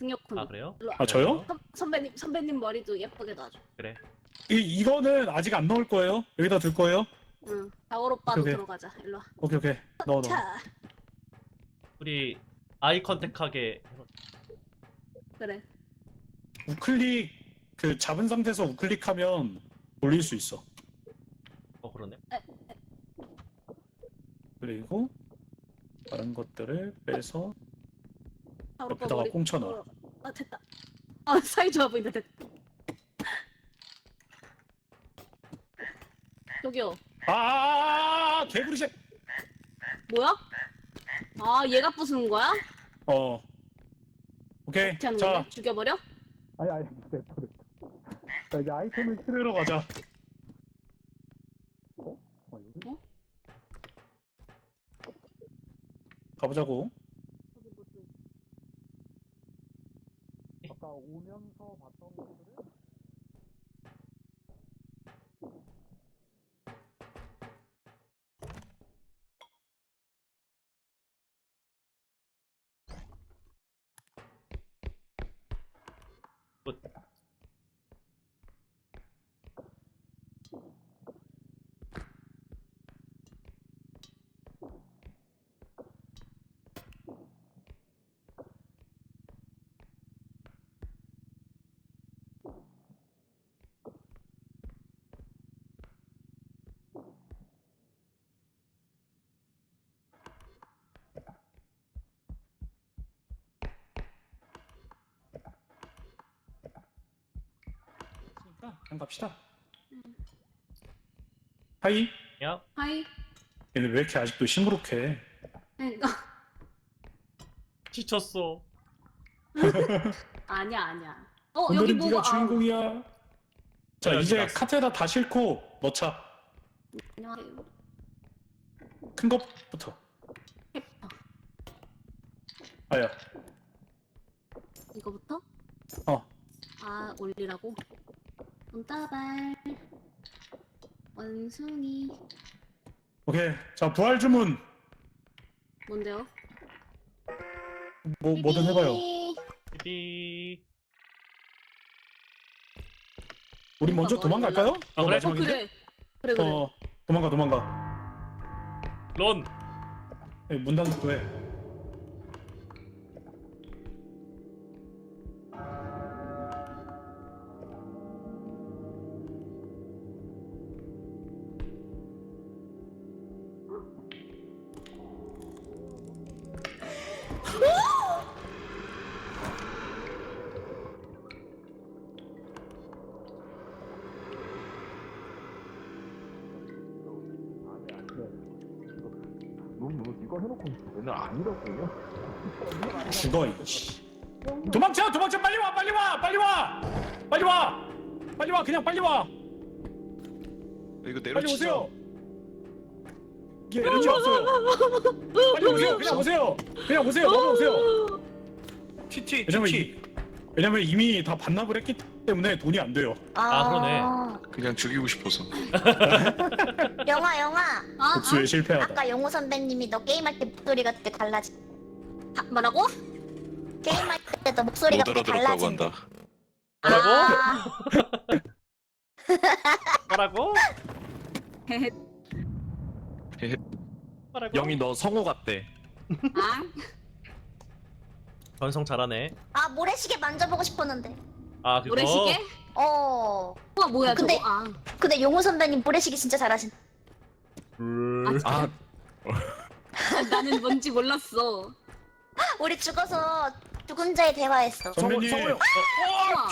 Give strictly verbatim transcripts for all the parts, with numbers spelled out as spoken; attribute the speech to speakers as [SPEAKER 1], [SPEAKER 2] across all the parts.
[SPEAKER 1] 등력훈.
[SPEAKER 2] 아 그래요?
[SPEAKER 1] 일로 와.
[SPEAKER 3] 아 저요?
[SPEAKER 1] 선, 선배님 선배님 머리도 예쁘게 놔줘.
[SPEAKER 2] 그래.
[SPEAKER 3] 이 이거는 아직 안 넣을 거예요. 여기다 둘 거예요.
[SPEAKER 1] 응. 다월 오빠도
[SPEAKER 3] 오케이, 오케이.
[SPEAKER 1] 들어가자. 일로 와.
[SPEAKER 3] 오케이 오케이. 넣어 넣어.
[SPEAKER 1] 자.
[SPEAKER 2] 우리 아이 컨택하게.
[SPEAKER 1] 그래.
[SPEAKER 3] 우클릭 그 잡은 상태에서 우클릭하면 올릴 수 있어.
[SPEAKER 2] 어 그러네.
[SPEAKER 3] 그리고 다른 것들을 빼서
[SPEAKER 1] 다월 오빠
[SPEAKER 3] 옆에다가
[SPEAKER 1] 머리.
[SPEAKER 3] 꽁쳐 넣어.
[SPEAKER 1] 어, 아 됐다. 아 사이 좋아 보인다. 됐다. 저기요.
[SPEAKER 3] 아 개구리 새.
[SPEAKER 1] 뭐야? 아 얘가 부수는 거야?
[SPEAKER 3] 어. 오케이.
[SPEAKER 1] 어떻게 하는
[SPEAKER 3] 자.
[SPEAKER 1] 거야? 죽여버려?
[SPEAKER 3] 아니 아니 됐다 됐다. 자 이제 아이템을 찾으러 가자. 어? 어 여기?
[SPEAKER 1] 어?
[SPEAKER 3] 가보자고. 아까 오면서 봤던 것들을
[SPEAKER 2] 굿.
[SPEAKER 3] 있으니까 그냥 갑시다. 하이.
[SPEAKER 2] 야.
[SPEAKER 1] 하이.
[SPEAKER 3] 얘네 왜 이렇게 아직도 시무룩해?
[SPEAKER 1] 그러니까
[SPEAKER 2] 지쳤어.
[SPEAKER 1] 아니야 아니야. 어 여기
[SPEAKER 3] 오늘은
[SPEAKER 1] 뭐가
[SPEAKER 3] 네가 주인공이야. 자
[SPEAKER 2] 어, 여기
[SPEAKER 3] 이제
[SPEAKER 2] 나왔어.
[SPEAKER 3] 카트에다 다 싣고 넣자.
[SPEAKER 1] 안녕하세요.
[SPEAKER 3] 큰 것부터.
[SPEAKER 1] 페퍼.
[SPEAKER 3] 아야.
[SPEAKER 1] 이거부터?
[SPEAKER 3] 어.
[SPEAKER 1] 아 올리라고? 돈다발 원숭이
[SPEAKER 3] 오케이. 자 부활 주문.
[SPEAKER 1] 뭔데요?
[SPEAKER 3] 뭐 뭐든 해봐요.
[SPEAKER 2] 삐.
[SPEAKER 3] 우리 먼저
[SPEAKER 1] 그러니까
[SPEAKER 3] 도망갈까요?
[SPEAKER 2] 아,
[SPEAKER 3] 이거
[SPEAKER 2] 그래?
[SPEAKER 1] 어
[SPEAKER 3] 마지막인데?
[SPEAKER 1] 그래 그래 그래.
[SPEAKER 3] 어 도망가 도망가.
[SPEAKER 2] 런.
[SPEAKER 3] 에이, 문 닫고 해.
[SPEAKER 4] 너무 이거 해놓고 맨날 아니라고요?
[SPEAKER 3] 죽어 이씨. 도망쳐 도망쳐 빨리 와 빨리 와 빨리 와 빨리 와 빨리 와 그냥 빨리 와
[SPEAKER 4] 이거
[SPEAKER 3] 빨리
[SPEAKER 4] 내려치자.
[SPEAKER 3] 오세요. 이게 에너지 없어요. 빨리 오세요 그냥 오세요 그냥 오세요 넘어오세요.
[SPEAKER 4] 티티
[SPEAKER 3] 왜냐면
[SPEAKER 4] 티티.
[SPEAKER 3] 이, 왜냐면 이미 다 반납을 했기 때문에 돈이 안 돼요.
[SPEAKER 2] 아, 그러네.
[SPEAKER 4] 그냥 죽이고 싶어서.
[SPEAKER 5] 영화 영화
[SPEAKER 1] 아,
[SPEAKER 3] 복수에 실패하다.
[SPEAKER 5] 아까 영호 선배님이 너 게임할 때 목소리가 되게 달라지
[SPEAKER 1] 아, 아 뭐라고?
[SPEAKER 5] 게임할 때 너 목소리가
[SPEAKER 4] 못
[SPEAKER 5] 되게
[SPEAKER 4] 알아들었다고
[SPEAKER 5] 달라진대.
[SPEAKER 4] 한다.
[SPEAKER 2] 뭐라고?
[SPEAKER 5] 아,
[SPEAKER 2] 뭐라고?
[SPEAKER 1] 헤헤.
[SPEAKER 2] 뭐라고?
[SPEAKER 6] 영희 너 성우 같대.
[SPEAKER 1] 아
[SPEAKER 2] 변성 잘하네.
[SPEAKER 5] 아 모래시계 만져보고 싶었는데.
[SPEAKER 2] 아 그거.
[SPEAKER 1] 모래시계?
[SPEAKER 5] 어.
[SPEAKER 1] 우와 뭐야
[SPEAKER 5] 근데-
[SPEAKER 1] 저거? 아,
[SPEAKER 5] 근데 영호 선배님 모래시계 진짜 잘하신.
[SPEAKER 2] 음.
[SPEAKER 6] 아
[SPEAKER 1] 나는 뭔지 몰랐어.
[SPEAKER 5] 우리 죽어서 죽은 자의 대화했어.
[SPEAKER 3] 선배님
[SPEAKER 6] 성우, 성우.
[SPEAKER 1] 우와.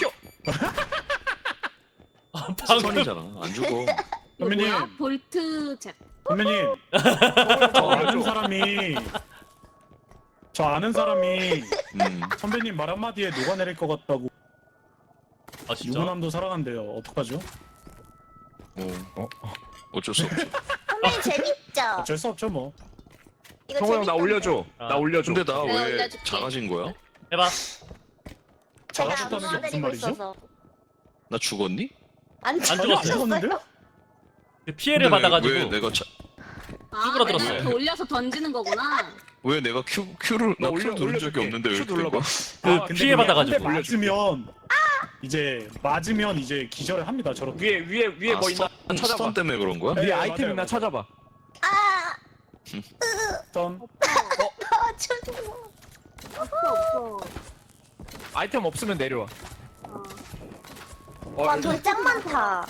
[SPEAKER 2] 아, 방금
[SPEAKER 4] 선이잖아. 안 죽어.
[SPEAKER 1] 이거
[SPEAKER 3] 선배님.
[SPEAKER 1] 뭐야? 볼트 잽.
[SPEAKER 3] 선배님 저 아는 사람이 저 아는 사람이
[SPEAKER 4] 음.
[SPEAKER 3] 선배님 말 한마디에 녹아내릴 것 같다고
[SPEAKER 2] 아 진짜?
[SPEAKER 3] 유부남도 살아간대요. 어떡하죠?
[SPEAKER 4] 어. 어쩔 수 없죠.
[SPEAKER 5] 선배님 재밌죠?
[SPEAKER 3] 어쩔 수 없죠 뭐.
[SPEAKER 5] 이거
[SPEAKER 6] 성우 형 나
[SPEAKER 5] 재밌던데.
[SPEAKER 6] 올려줘.
[SPEAKER 2] 아.
[SPEAKER 6] 나 올려줘.
[SPEAKER 4] 근데 나
[SPEAKER 1] 내가
[SPEAKER 4] 왜
[SPEAKER 1] 올려줄게.
[SPEAKER 4] 작아진 거야?
[SPEAKER 2] 해봐.
[SPEAKER 5] 제가
[SPEAKER 3] 작아졌다는 게 무슨
[SPEAKER 5] 도와드리고
[SPEAKER 3] 말이죠?
[SPEAKER 5] 있어서.
[SPEAKER 4] 나 죽었니?
[SPEAKER 5] 안
[SPEAKER 2] 안
[SPEAKER 3] 아니 안
[SPEAKER 2] 죽었어요.
[SPEAKER 3] 죽었는데요?
[SPEAKER 2] 그 피해를
[SPEAKER 4] 근데 왜-
[SPEAKER 2] 받아가지고.
[SPEAKER 4] 왜 내가 자...
[SPEAKER 1] 아,
[SPEAKER 2] 쭈그러들었어요.
[SPEAKER 1] 맨날 이렇게 올려서 던지는 거구나.
[SPEAKER 4] 왜 내가 Q Q를 나
[SPEAKER 6] 나
[SPEAKER 4] Q
[SPEAKER 6] 올려-
[SPEAKER 4] 누른 적이
[SPEAKER 6] 올려줄게.
[SPEAKER 4] 없는데 왜
[SPEAKER 6] Q
[SPEAKER 4] 이렇게
[SPEAKER 6] 눌러봐.
[SPEAKER 4] 된
[SPEAKER 2] 그
[SPEAKER 3] 아, 근데
[SPEAKER 2] 피해
[SPEAKER 3] 그게
[SPEAKER 2] 받아가지고.
[SPEAKER 3] 한대 맞으면 이제 맞으면 이제 기절을 합니다. 저렇게.
[SPEAKER 6] 위에 위에 위에
[SPEAKER 4] 아,
[SPEAKER 6] 뭐 있나
[SPEAKER 4] 스턴,
[SPEAKER 6] 찾아봐.
[SPEAKER 4] 스턴 때문에 그런 거야?
[SPEAKER 3] 네,
[SPEAKER 6] 위에
[SPEAKER 3] 맞아요,
[SPEAKER 6] 아이템 있나
[SPEAKER 3] 맞아요.
[SPEAKER 6] 찾아봐.
[SPEAKER 5] 아,
[SPEAKER 3] 어떤
[SPEAKER 5] 아, 저
[SPEAKER 1] 없어 없어.
[SPEAKER 6] 아이템 없으면 내려와.
[SPEAKER 1] 어.
[SPEAKER 6] 어,
[SPEAKER 5] 와, 돈 짱 많다.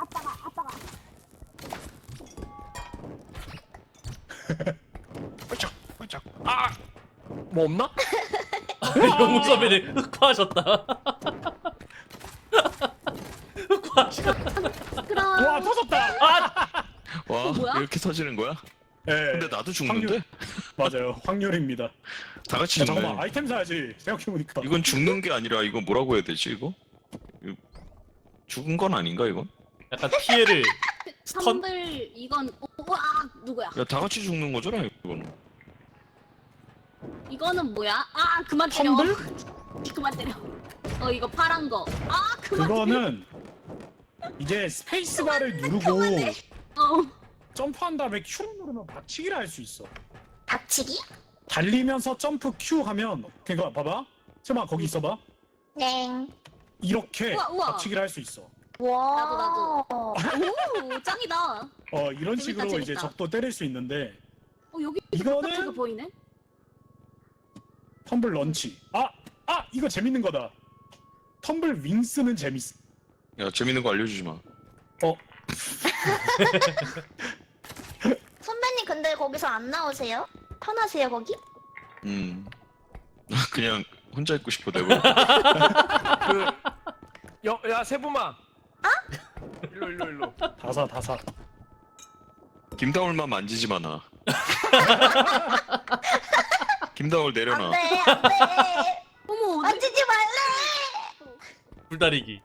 [SPEAKER 6] 홀짝 홀짝. 아, 뭐 없나?
[SPEAKER 2] 영웅 선배님 흑화하셨다. 흑화하셨다.
[SPEAKER 1] 그럼.
[SPEAKER 3] 와 터졌다.
[SPEAKER 4] 와
[SPEAKER 1] 뭐야?
[SPEAKER 4] 이렇게 터지는 거야?
[SPEAKER 3] 네,
[SPEAKER 4] 근데 나도 죽는데?
[SPEAKER 3] 맞아요. 확률입니다.
[SPEAKER 4] 다 같이
[SPEAKER 3] 야,
[SPEAKER 4] 죽네.
[SPEAKER 3] 잠깐만 아이템 사야지. 생각해보니까.
[SPEAKER 4] 이건 죽는 게 아니라 이거 뭐라고 해야 되지 이거? 이거 죽은 건 아닌가 이건?
[SPEAKER 2] 약간 피해를 스턴.
[SPEAKER 1] 선들 이건 어, 와 누구야?
[SPEAKER 4] 야 다 같이 죽는 거잖아 이거는.
[SPEAKER 1] 이거는 뭐야? 아 그만 때려.
[SPEAKER 3] 텀블?
[SPEAKER 1] 그만 때려. 어 이거 파란 거. 아 그만.
[SPEAKER 3] 그거는 이제 스페이스바를 누르고
[SPEAKER 1] 그만해. 어.
[SPEAKER 3] 점프한 다음에 Q를 누르면 박치기를 할 수 있어.
[SPEAKER 5] 박치기?
[SPEAKER 3] 달리면서 점프 Q 하면 그거 봐봐. 잠깐만 거기 있어봐.
[SPEAKER 5] 네.
[SPEAKER 3] 이렇게
[SPEAKER 1] 우와, 우와.
[SPEAKER 3] 박치기를 할 수 있어.
[SPEAKER 5] 와.
[SPEAKER 1] 나도, 나도. 오 짱이다.
[SPEAKER 3] 어 이런
[SPEAKER 1] 재밌다,
[SPEAKER 3] 식으로
[SPEAKER 1] 재밌다.
[SPEAKER 3] 이제 적도 때릴 수 있는데
[SPEAKER 1] 어 여기
[SPEAKER 3] 이거는-
[SPEAKER 1] 바깥에가 보이네.
[SPEAKER 3] 텀블 런치. 아! 아! 이거 재밌는 거다. 텀블 윙스는 재밌어.
[SPEAKER 4] 야 재밌는 거 알려주지 마.
[SPEAKER 3] 어?
[SPEAKER 5] 선배님 근데 거기서 안 나오세요? 편하세요 거기?
[SPEAKER 4] 음. 그냥 혼자 있고 싶어 내가.
[SPEAKER 6] 그, 여, 야 세부마. 아? 일로 일로 일로.
[SPEAKER 3] 다사 다사.
[SPEAKER 4] 김다울만 만지지 마나. 김다울 내려놔.
[SPEAKER 5] 안돼 안돼.
[SPEAKER 1] 어머 어디?
[SPEAKER 5] 만지지 말래.
[SPEAKER 2] 불다리기.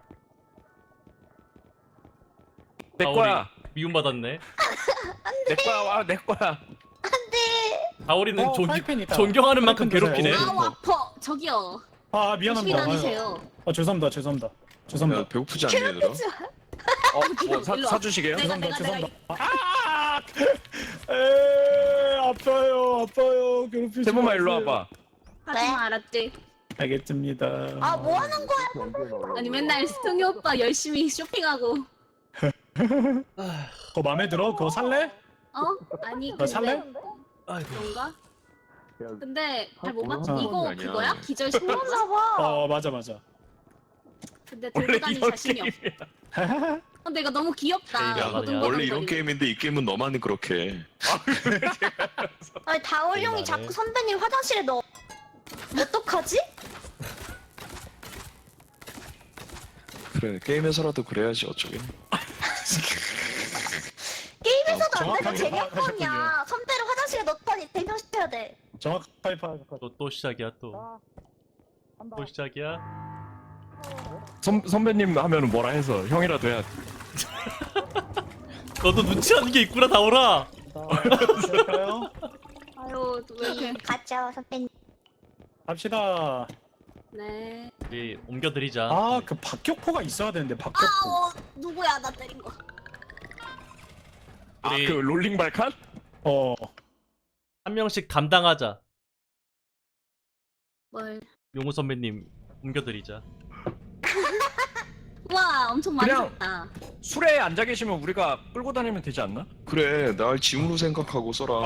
[SPEAKER 6] 내
[SPEAKER 2] 아,
[SPEAKER 6] 거야.
[SPEAKER 2] 미움받았네.
[SPEAKER 6] 내 거야. 와, 내 거야.
[SPEAKER 5] 안돼.
[SPEAKER 2] 다오리는
[SPEAKER 3] 어,
[SPEAKER 2] 존,
[SPEAKER 3] 프라이팬 있다.
[SPEAKER 2] 존경하는 만큼
[SPEAKER 3] 프라이팬
[SPEAKER 2] 괴롭히네.
[SPEAKER 3] 드세요.
[SPEAKER 1] 아우 아파. 저기요.
[SPEAKER 3] 아
[SPEAKER 1] 조심히
[SPEAKER 3] 미안합니다.
[SPEAKER 1] 다니세요.
[SPEAKER 3] 아 죄송합니다. 죄송합니다.
[SPEAKER 4] 야
[SPEAKER 3] 죄송합니다.
[SPEAKER 4] 배고프지 않니 얘들아?
[SPEAKER 6] 어, 뭐 사,
[SPEAKER 1] 일로 와.
[SPEAKER 6] 사주시게요?
[SPEAKER 1] 내가
[SPEAKER 3] 죄송합니다.
[SPEAKER 1] 내가 내가
[SPEAKER 3] 죄송합니다. 아! 에 아파요. 아파요. 괴롭히지
[SPEAKER 6] 세부마 일로
[SPEAKER 3] 마세요.
[SPEAKER 6] 와봐.
[SPEAKER 1] 하지마 알았지?
[SPEAKER 3] 알겠습니다.
[SPEAKER 5] 아 뭐 하는 거야?
[SPEAKER 1] 아니 맨날 스통이 오빠 열심히 쇼핑하고.
[SPEAKER 3] 그거 마음에 들어? 그거 살래?
[SPEAKER 1] 어? 아니
[SPEAKER 3] 너
[SPEAKER 1] 근데
[SPEAKER 3] 살래?
[SPEAKER 2] 아이고.
[SPEAKER 1] 그런가? 근데 잘 못
[SPEAKER 4] 아,
[SPEAKER 1] 맞지.
[SPEAKER 4] 그런
[SPEAKER 1] 이거
[SPEAKER 4] 거 아니야.
[SPEAKER 1] 그거야? 기절 신고?
[SPEAKER 5] 그런가 봐.
[SPEAKER 3] 어 맞아 맞아.
[SPEAKER 1] 근데
[SPEAKER 6] 원래
[SPEAKER 1] 들고 다닐
[SPEAKER 6] 이런
[SPEAKER 1] 자신이 없어.
[SPEAKER 6] 게임이야.
[SPEAKER 1] 근데 이거 너무 귀엽다.
[SPEAKER 2] 야,
[SPEAKER 1] 이거
[SPEAKER 2] 원래
[SPEAKER 1] 동글동글
[SPEAKER 4] 원래 이런
[SPEAKER 1] 거리는.
[SPEAKER 4] 게임인데 이 게임은 너만 그렇게 해.
[SPEAKER 5] 아니 다올 형이
[SPEAKER 2] 미안해.
[SPEAKER 5] 자꾸 선배님 화장실에 넣어. 어떡하지?
[SPEAKER 4] 그래 게임에서라도 그래야지 어쩌게.
[SPEAKER 5] 게임에서도 안 되고
[SPEAKER 3] 정확하게
[SPEAKER 5] 제격권이야.
[SPEAKER 3] 파악하셨군요.
[SPEAKER 5] 선배를 화장실에 넣더니 대명시켜야 돼.
[SPEAKER 3] 정확하게 파악할
[SPEAKER 2] 또, 또 시작이야 또. 또 시작이야.
[SPEAKER 6] 선 선배님 하면은 뭐라 해서 형이라도 해야 돼.
[SPEAKER 2] 너도 눈치 하는 게 있구나 다오라.
[SPEAKER 3] 할까요?
[SPEAKER 1] 아유 왜 이렇게.
[SPEAKER 5] 가죠 선배님.
[SPEAKER 3] 갑시다.
[SPEAKER 1] 네.
[SPEAKER 2] 우리 옮겨드리자.
[SPEAKER 3] 아 그 박격포가 있어야 되는데 박격포.
[SPEAKER 1] 아우 누구야 나 때린 거.
[SPEAKER 6] 아,
[SPEAKER 2] 우리-
[SPEAKER 6] 그 롤링 발칸?
[SPEAKER 3] 어.
[SPEAKER 2] 한 명씩 감당하자.
[SPEAKER 1] 뭘?
[SPEAKER 2] 용우 선배님 옮겨드리자.
[SPEAKER 1] 와 엄청 많이
[SPEAKER 6] 그냥-
[SPEAKER 1] 샀다.
[SPEAKER 6] 술에 앉아 계시면 우리가 끌고 다니면 되지 않나?
[SPEAKER 4] 그래 날 짐으로 생각하고 써라.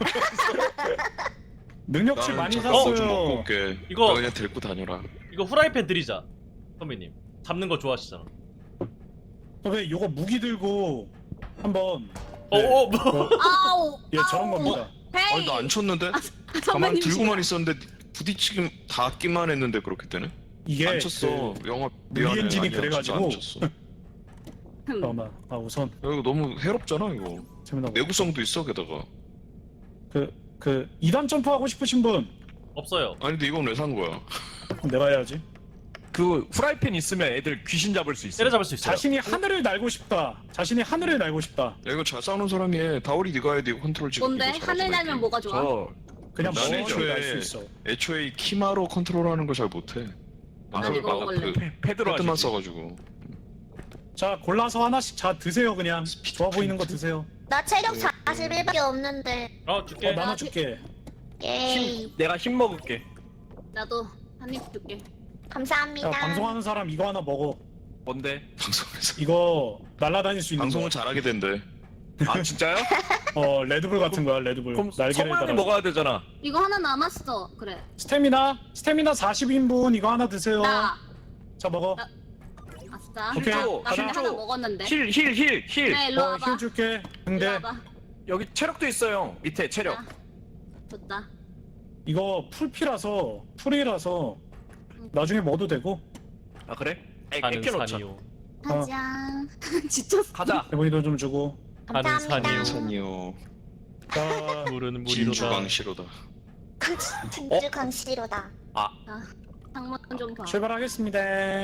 [SPEAKER 3] 능력치
[SPEAKER 4] 나는
[SPEAKER 3] 많이
[SPEAKER 4] 잠깐 뭐좀
[SPEAKER 3] 샀어요.
[SPEAKER 4] 먹고 올게.
[SPEAKER 2] 이거-
[SPEAKER 4] 너 그냥 데리고 다녀라.
[SPEAKER 2] 이거 후라이팬 드리자. 선배님. 잡는 거 좋아하시잖아.
[SPEAKER 3] 왜 요거 무기 들고 한번
[SPEAKER 2] 어,
[SPEAKER 3] 네.
[SPEAKER 2] 어, 뭐.
[SPEAKER 1] 아우.
[SPEAKER 3] 예 저런 겁니다.
[SPEAKER 1] 헤이.
[SPEAKER 4] 아니 나 안 쳤는데? 가만
[SPEAKER 1] 선배님
[SPEAKER 4] 들고만 있었는데 부딪히긴 닿기만 했는데 그렇게 되네?
[SPEAKER 3] 이게
[SPEAKER 4] 안 쳤어. 영화
[SPEAKER 3] 무리
[SPEAKER 4] 미안해.
[SPEAKER 3] 엔진이
[SPEAKER 4] 아니야,
[SPEAKER 3] 그래가지고.
[SPEAKER 4] 진짜 안 쳤어.
[SPEAKER 3] 그, 잠깐만. 아 우선
[SPEAKER 4] 야, 이거 너무 해롭잖아 이거.
[SPEAKER 3] 재밌나 봐.
[SPEAKER 4] 내구성도 있어 게다가.
[SPEAKER 3] 그그 이 단 점프 하고 싶으신 분
[SPEAKER 2] 없어요.
[SPEAKER 4] 아니 근데 이건 왜 산 거야?
[SPEAKER 3] 그럼 내가 해야지.
[SPEAKER 6] 그 후라이팬 있으면 애들 귀신 잡을 수 있어.
[SPEAKER 2] 때려잡을 수 있어요.
[SPEAKER 3] 자신이 하늘을 날고 싶다. 자신이 하늘을 날고 싶다.
[SPEAKER 4] 야 이거 잘 싸우는 사람이 해. 다오리 네가 해야 돼. 이거 컨트롤 지금.
[SPEAKER 1] 뭔데?
[SPEAKER 4] 이거 잘하잖아,
[SPEAKER 1] 하늘 날면
[SPEAKER 4] 이게.
[SPEAKER 1] 뭐가 좋아?
[SPEAKER 6] 저
[SPEAKER 3] 그냥
[SPEAKER 4] 나는
[SPEAKER 3] 멀리
[SPEAKER 4] 애초에-
[SPEAKER 3] 날수 있어.
[SPEAKER 4] 애초에 이 키마로 컨트롤하는 걸 잘 못해.
[SPEAKER 1] 난 이거 먹을래.
[SPEAKER 4] 그
[SPEAKER 6] 패, 패드로
[SPEAKER 4] 패드만
[SPEAKER 6] 하지.
[SPEAKER 4] 써가지고.
[SPEAKER 3] 자 골라서 하나씩 자 드세요 그냥.
[SPEAKER 4] 스피드
[SPEAKER 3] 좋아 보이는 거
[SPEAKER 4] 프린트?
[SPEAKER 3] 드세요.
[SPEAKER 5] 나 체력 사십일밖에 없는데.
[SPEAKER 2] 어
[SPEAKER 3] 어
[SPEAKER 2] 줄게.
[SPEAKER 3] 나눠줄게.
[SPEAKER 5] 예이.
[SPEAKER 6] 힘, 내가 힘 먹을게.
[SPEAKER 1] 나도 한 입 줄게.
[SPEAKER 5] 감사합니다.
[SPEAKER 3] 야 방송하는 사람 이거 하나 먹어.
[SPEAKER 6] 뭔데?
[SPEAKER 4] 방송에서
[SPEAKER 3] 이거 날아다닐 수 있는
[SPEAKER 4] 방송을
[SPEAKER 3] 거.
[SPEAKER 4] 잘하게 된대.
[SPEAKER 6] 아 진짜요?
[SPEAKER 3] 어 레드불 같은 거야 레드불.
[SPEAKER 6] 그럼
[SPEAKER 3] 날개를
[SPEAKER 6] 성우형이
[SPEAKER 3] 달아.
[SPEAKER 6] 먹어야 되잖아.
[SPEAKER 1] 이거 하나 남았어. 그래.
[SPEAKER 3] 스태미나 스태미나 사십 인분 이거 하나 드세요.
[SPEAKER 1] 나.
[SPEAKER 3] 자 먹어.
[SPEAKER 1] 나- 아싸.
[SPEAKER 3] 오케이.
[SPEAKER 1] 나, 나 근데
[SPEAKER 3] 하나.
[SPEAKER 1] 하나 먹었는데.
[SPEAKER 6] 힐 힐 힐 힐.
[SPEAKER 1] 네, 일로
[SPEAKER 3] 어,
[SPEAKER 1] 와봐.
[SPEAKER 3] 힘 줄게.
[SPEAKER 1] 일로
[SPEAKER 3] 근데
[SPEAKER 1] 와봐.
[SPEAKER 6] 여기 체력도 있어요. 밑에 체력.
[SPEAKER 1] 아, 좋다.
[SPEAKER 3] 이거 풀피라서 풀이라서 나중에 먹어도 되고.
[SPEAKER 6] 아 그래? 애,
[SPEAKER 2] 하는
[SPEAKER 6] 애껴놓자.
[SPEAKER 2] 산이요.
[SPEAKER 1] 가자. 지쳤어.
[SPEAKER 6] 가자.
[SPEAKER 3] 대본이도 좀 주고.
[SPEAKER 2] 하는
[SPEAKER 5] 감사합니다.
[SPEAKER 2] 산이요.
[SPEAKER 4] 산이요.
[SPEAKER 3] 자
[SPEAKER 2] 물은 물이로다.
[SPEAKER 4] 진주광시로다.
[SPEAKER 5] 진주 강씨로다.
[SPEAKER 1] 상문 좀 봐.
[SPEAKER 3] 출발하겠습니다.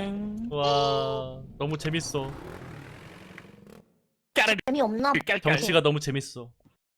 [SPEAKER 2] 와 너무 재밌어.
[SPEAKER 5] 재미없나?
[SPEAKER 6] 깔깔.
[SPEAKER 2] 경치가 너무 재밌어.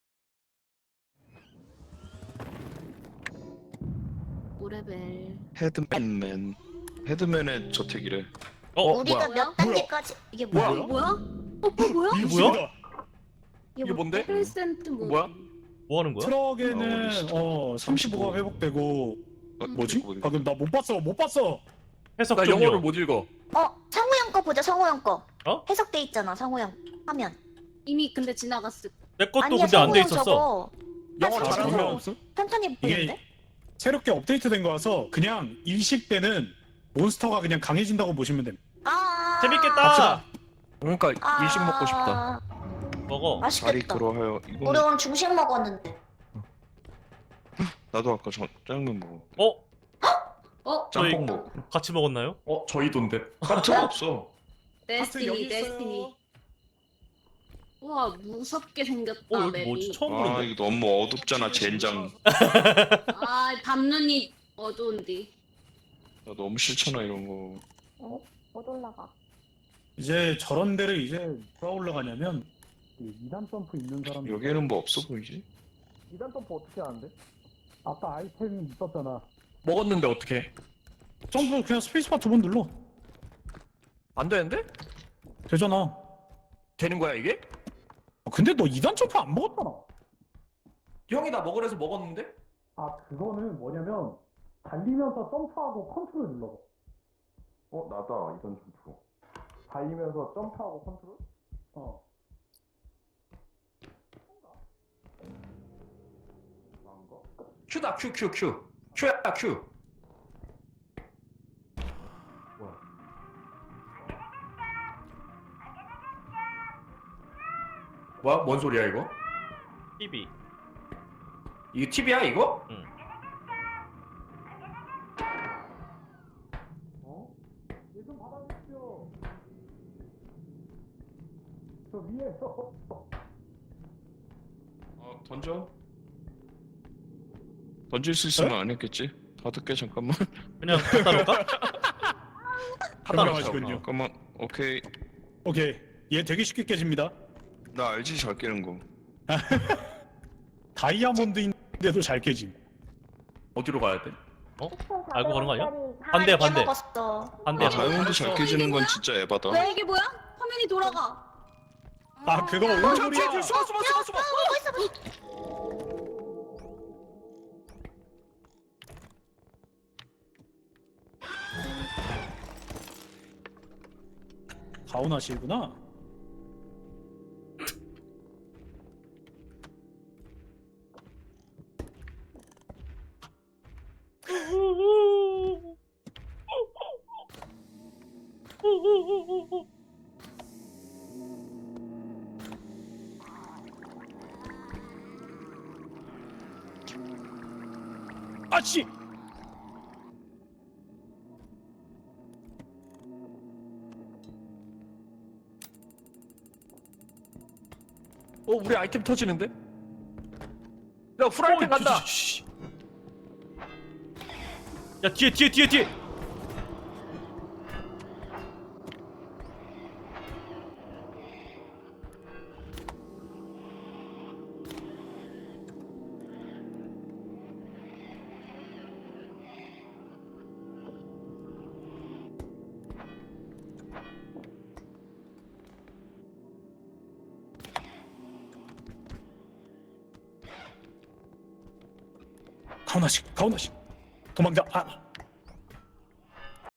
[SPEAKER 1] 오레벨.
[SPEAKER 4] 헤드맨맨. 헤드맨의 저택이래.
[SPEAKER 2] 어
[SPEAKER 5] 우리가
[SPEAKER 1] 뭐야?
[SPEAKER 5] 몇 단계까지 이게
[SPEAKER 6] 뭐야?
[SPEAKER 5] 뭐야?
[SPEAKER 1] 어 뭐야? 어, 어 뭐야?
[SPEAKER 2] 이게 뭐야?
[SPEAKER 6] 이게 뭔데?
[SPEAKER 1] 일 센트 뭐?
[SPEAKER 6] 뭐야?
[SPEAKER 2] 뭐 하는 거야?
[SPEAKER 3] 트럭에는
[SPEAKER 4] 어,
[SPEAKER 3] 어 삼십오가 회복되고.
[SPEAKER 4] 어,
[SPEAKER 3] 뭐지?
[SPEAKER 4] 어디-
[SPEAKER 3] 방금 나 못 봤어 못 봤어.
[SPEAKER 2] 해석
[SPEAKER 6] 나
[SPEAKER 2] 좀요.
[SPEAKER 6] 영어를 못 읽어.
[SPEAKER 5] 어 상호 형 거 보자. 상호 형 거.
[SPEAKER 2] 어?
[SPEAKER 5] 해석돼 있잖아. 상호 형 화면.
[SPEAKER 1] 이미 근데 지나갔을.
[SPEAKER 2] 내 것도
[SPEAKER 5] 아니야
[SPEAKER 2] 근데 안
[SPEAKER 5] 상호
[SPEAKER 2] 돼
[SPEAKER 5] 형
[SPEAKER 2] 있었어.
[SPEAKER 5] 저거.
[SPEAKER 6] 영어
[SPEAKER 5] 아,
[SPEAKER 6] 잘하는
[SPEAKER 5] 저거
[SPEAKER 6] 사람
[SPEAKER 3] 없어?
[SPEAKER 5] 편편히 보이는데?
[SPEAKER 3] 이게 새롭게 업데이트된 거라서 그냥 일식 때는 몬스터가 그냥 강해진다고 보시면 됩니다.
[SPEAKER 5] 아
[SPEAKER 2] 재밌겠다.
[SPEAKER 3] 갑시다.
[SPEAKER 6] 그러니까
[SPEAKER 5] 아,
[SPEAKER 6] 일식 먹고 싶다.
[SPEAKER 2] 먹어.
[SPEAKER 4] 자리
[SPEAKER 5] 맛있겠다.
[SPEAKER 4] 그러하여
[SPEAKER 5] 우리
[SPEAKER 4] 이거
[SPEAKER 5] 오늘 중식 먹었는데.
[SPEAKER 4] 나도 아까 저 짜장면 먹어.
[SPEAKER 2] 어?
[SPEAKER 1] 어?
[SPEAKER 2] 저희
[SPEAKER 4] 짬뽕 먹어.
[SPEAKER 2] 같이 먹었나요?
[SPEAKER 6] 어 저희 돈데.
[SPEAKER 4] 카트가 없어.
[SPEAKER 3] 하트 여기
[SPEAKER 1] 데스티니,
[SPEAKER 3] 있어요.
[SPEAKER 1] 데스티니. 우와 무섭게 생겼다
[SPEAKER 2] 어 여기
[SPEAKER 1] 맵이.
[SPEAKER 2] 뭐지? 처음
[SPEAKER 4] 아
[SPEAKER 2] 보는데.
[SPEAKER 4] 이거 너무 어둡잖아 젠장.
[SPEAKER 1] 아 밤눈이 어두운디.
[SPEAKER 4] 나 너무 싫잖아 이런 거.
[SPEAKER 5] 어? 못 올라가.
[SPEAKER 3] 이제 저런 데를 이제 누가 올라가냐면 이 단 점프 있는 사람.
[SPEAKER 4] 여기에는 뭐 없어 보이지?
[SPEAKER 3] 이단 점프 어떻게 하는데? 아까 아이템 있었잖아.
[SPEAKER 6] 먹었는데 어떻게?
[SPEAKER 3] 점프 그냥 스페이스바 두 번 눌러.
[SPEAKER 6] 안 되는데?
[SPEAKER 3] 되잖아.
[SPEAKER 6] 되는 거야 이게?
[SPEAKER 3] 어, 근데 너 이단 점프 안 먹었잖아.
[SPEAKER 6] 형이 나 먹으래서 먹었는데?
[SPEAKER 3] 아 그거는 뭐냐면 달리면서 점프하고 컨트롤 눌러.
[SPEAKER 6] 어 나다 이런 점프. 달리면서 점프하고 컨트롤?
[SPEAKER 3] 어.
[SPEAKER 6] 큐다 큐 큐 큐. 큐야 큐. 뭐야? 뭐야? 뭔 소리야 이거?
[SPEAKER 2] 티비.
[SPEAKER 6] 이거 팁이야 이거?
[SPEAKER 2] 응.
[SPEAKER 3] 어? 얘 좀 받아주십시오. 저 위에요.
[SPEAKER 4] 어 던져. 던질 수 있으면 안 했겠지? 받을게 잠깐만.
[SPEAKER 2] 그냥 갖다 놓을까?
[SPEAKER 3] 훌륭하시군요.
[SPEAKER 4] 잠깐만. 오케이.
[SPEAKER 3] 오케이. 얘 되게 쉽게 깨집니다.
[SPEAKER 4] 나 알지 잘 깨는 거.
[SPEAKER 3] 다이아몬드인데도 잘 깨짐.
[SPEAKER 6] 어디로 가야 돼?
[SPEAKER 2] 알고 가는 거 아니야?
[SPEAKER 5] 아,
[SPEAKER 2] 반대야,
[SPEAKER 5] 이게
[SPEAKER 2] 반대.
[SPEAKER 5] 먹었어.
[SPEAKER 2] 안 돼.
[SPEAKER 4] 아 다이아몬드 잘 깨지는 건 진짜 에바다.
[SPEAKER 1] 왜 이게 뭐야? 화면이 돌아가.
[SPEAKER 3] 아 그거
[SPEAKER 5] 어,
[SPEAKER 3] 뭔 소리야?
[SPEAKER 6] 숨어 숨어 숨어 숨어.
[SPEAKER 3] 가오나시구나. 아씨.
[SPEAKER 6] 어 우리 아이템 터지는데? 야 프라이팬 간다.
[SPEAKER 2] 씨. 야 뒤에 뒤에 뒤에 뒤에.
[SPEAKER 3] 가오나씨 가오나씨 도망자. 아